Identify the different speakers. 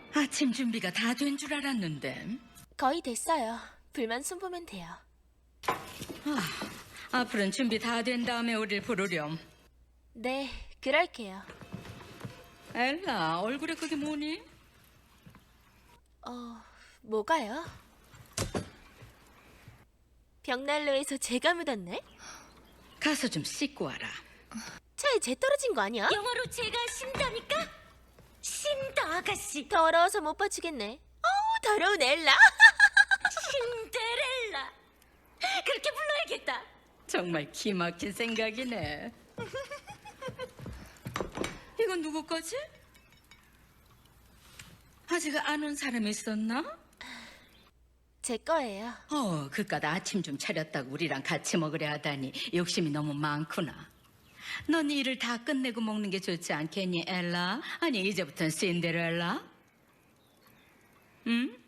Speaker 1: 아침 준비가 다 된 줄 알았는데.
Speaker 2: 거의 됐어요. 불만 손보면 돼요.
Speaker 1: 앞으로는 준비 다 된 다음에 우릴 부르렴.
Speaker 2: 네, 그럴게요.
Speaker 1: 엘라, 얼굴에 그게 뭐니?
Speaker 2: 뭐가요? 벽난로에서 제가 묻었네?
Speaker 1: 가서 좀 씻고 와라.
Speaker 2: 차에 재 떨어진 거 아니야?
Speaker 3: 영어로 제가 신다니까? 신다 아가씨.
Speaker 2: 더러워서 못 봐주겠네. 어우, 더러운 엘라.
Speaker 3: 신데렐라. 그렇게 불러야겠다.
Speaker 1: 정말 기막힌 생각이네. 이건 누구 거지? 아직 안 온 사람이 있었나?
Speaker 2: 제 거예요.
Speaker 1: 그깟 아침 좀 차렸다고 우리랑 같이 먹으려 하다니 욕심이 너무 많구나. 넌 일을 다 끝내고 먹는 게 좋지 않겠니, 엘라? 아니, 이제부터는 신데렐라? 응?